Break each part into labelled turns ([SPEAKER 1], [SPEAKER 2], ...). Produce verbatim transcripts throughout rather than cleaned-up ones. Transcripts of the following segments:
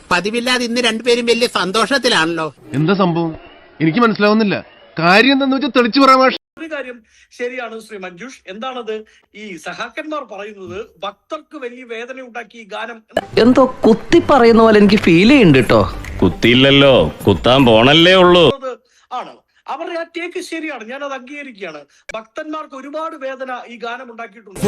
[SPEAKER 1] പതിവില്ലാതെ ഇന്ന് രണ്ടുപേരും വലിയ സന്തോഷത്തിലാണല്ലോ.
[SPEAKER 2] എന്താ സംഭവം എനിക്ക് മനസ്സിലാവുന്നില്ല. കാര്യം എന്താന്ന് വെച്ചാൽ തെളിച്ചു പറയാൻ.
[SPEAKER 3] ഒരു കാര്യം ശരിയാണ് ശ്രീ മഞ്ജുഷ്. എന്താണത്? ഈ സഹാക്കന്മാർ പറയുന്നത് ഭക്തർക്ക് വലിയ വേദന ഉണ്ടാക്കി ഈ ഗാനം
[SPEAKER 4] എന്തോ കുത്തി പറയുന്ന പോലെ എനിക്ക് ഫീൽ ചെയ്യുന്നുണ്ട് കേട്ടോ.
[SPEAKER 5] കുത്തിയില്ലല്ലോ, കുത്താൻ പോണല്ലേ ഉള്ളൂ
[SPEAKER 3] ആണ്. അവരുടെ ആ ടേക്ക് ശരിയാണ്, ഞാൻ അത് അംഗീകരിക്കുകയാണ്. ഭക്തന്മാർക്ക് ഒരുപാട് വേദന ഈ ഗാനം ഉണ്ടാക്കിയിട്ടുണ്ട്.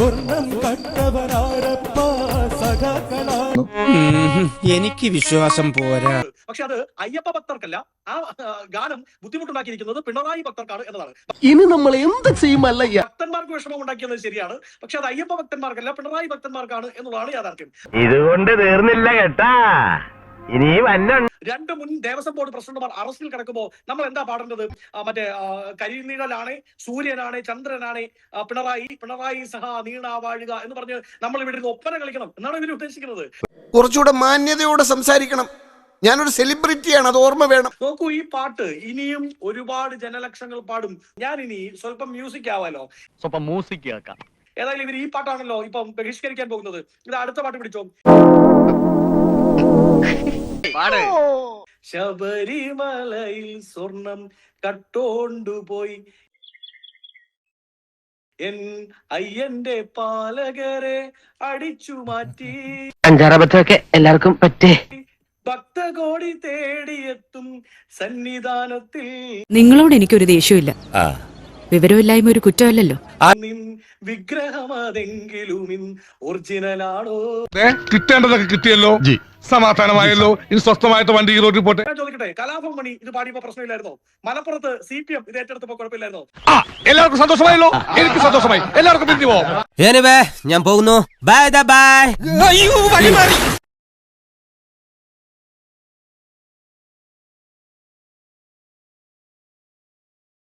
[SPEAKER 1] എനിക്ക് വിശ്വാസം പോരാ.
[SPEAKER 3] പക്ഷെ അത് അയ്യപ്പ ഭക്തർക്കല്ല. ആ ഗാനം ബുദ്ധിമുട്ടുണ്ടാക്കിയിരിക്കുന്നത് പിണറായി ഭക്തർക്കാണ് എന്നതാണ്.
[SPEAKER 4] ഇനി നമ്മൾ എന്ത് ചെയ്യുമല്ല.
[SPEAKER 3] ഭക്തന്മാർക്ക് വിഷമം ഉണ്ടാക്കിയത് ശരിയാണ്, പക്ഷെ അത് അയ്യപ്പ ഭക്തന്മാർക്കല്ല പിണറായി ഭക്തന്മാർക്കാണ് എന്നുള്ളതാണ് യാഥാർത്ഥ്യം.
[SPEAKER 6] ഇതുകൊണ്ട് തീർന്നില്ല കേട്ടാ, ഇനി വന്ന
[SPEAKER 3] രണ്ട് മുൻ ദേവസ്വം ബോർഡ് പ്രസിഡന്റുമാർ അറസ്റ്റിൽ കിടക്കുമ്പോൾ നമ്മൾ എന്താ പാടേണ്ടത്? മറ്റേ കരിനീഴലാണ്, സൂര്യനാണ്, ചന്ദ്രനാണ്, പിണറായി പിണറായി സഹ നീണ വാഴുക എന്ന് പറഞ്ഞ് നമ്മൾ ഇവിടെ ഇരുന്ന് ഒപ്പന കളിക്കണം എന്നാണ് ഇവർ ഉദ്ദേശിക്കുന്നത്.
[SPEAKER 7] കുറച്ചുകൂടെ മാന്യതയോടെ സംസാരിക്കണം. ഞാനൊരു സെലിബ്രിറ്റിയാണ്, അത് ഓർമ്മ വേണം.
[SPEAKER 3] നോക്കൂ, ഈ പാട്ട് ഇനിയും ഒരുപാട് ജനലക്ഷങ്ങൾ പാടും. ഞാൻ ഇനി സ്വല്പം മ്യൂസിക് ആവാലോ,
[SPEAKER 6] സ്വല്പം മ്യൂസിക് കേൾക്കാം.
[SPEAKER 3] ഏതായാലും ഇവർ ഈ പാട്ടാണല്ലോ ഇപ്പം ബഹിഷ്കരിക്കാൻ പോകുന്നത്. ഇത് അടുത്ത പാട്ട് പിടിച്ചോ. ശബരിമലയിൽ സ്വർണം കട്ടോണ്ടുപോയി എൻ അയ്യന്റെ പാലകരെ അടിച്ചു മാറ്റി.
[SPEAKER 4] അഞ്ചാറബത്തൊക്കെ എല്ലാവർക്കും പറ്റേ.
[SPEAKER 3] ഭക്തകോടി തേടിയെത്തും സന്നിധാനത്തിൽ
[SPEAKER 8] നിങ്ങളോട് എനിക്കൊരു ദേഷ്യമില്ല. വിവരമില്ലായ്മ ഒരു കുറ്റമല്ലല്ലോ.
[SPEAKER 3] നിൻ വിഗ്രഹമതെങ്കിലും ഒറിജിനലാണോ?
[SPEAKER 2] കിട്ടേണ്ടതൊക്കെ കിട്ടിയല്ലോ, സമാധാനമായല്ലോ. ഇനി സ്വസ്ഥമായിട്ട് വണ്ടി ഈ റോഡിൽ പോട്ടെ.
[SPEAKER 3] ഞാൻ ചോദിക്കട്ടെ, കലാഭവൻ മണി ഇത് പാടിയപ്പോ പ്രശ്നമില്ലായിരുന്നോ? മലപ്പുറത്ത് സി പി എം ഇത് ഏറ്റെടുത്തപ്പോ കുഴപ്പമില്ലായിരുന്നോ?
[SPEAKER 2] എല്ലാവർക്കും സന്തോഷമായല്ലോ, എനിക്ക് സന്തോഷമായി. എല്ലാവർക്കും പിരിഞ്ഞു പോവാം.
[SPEAKER 4] ഞാൻ പോകുന്നു. Bye by.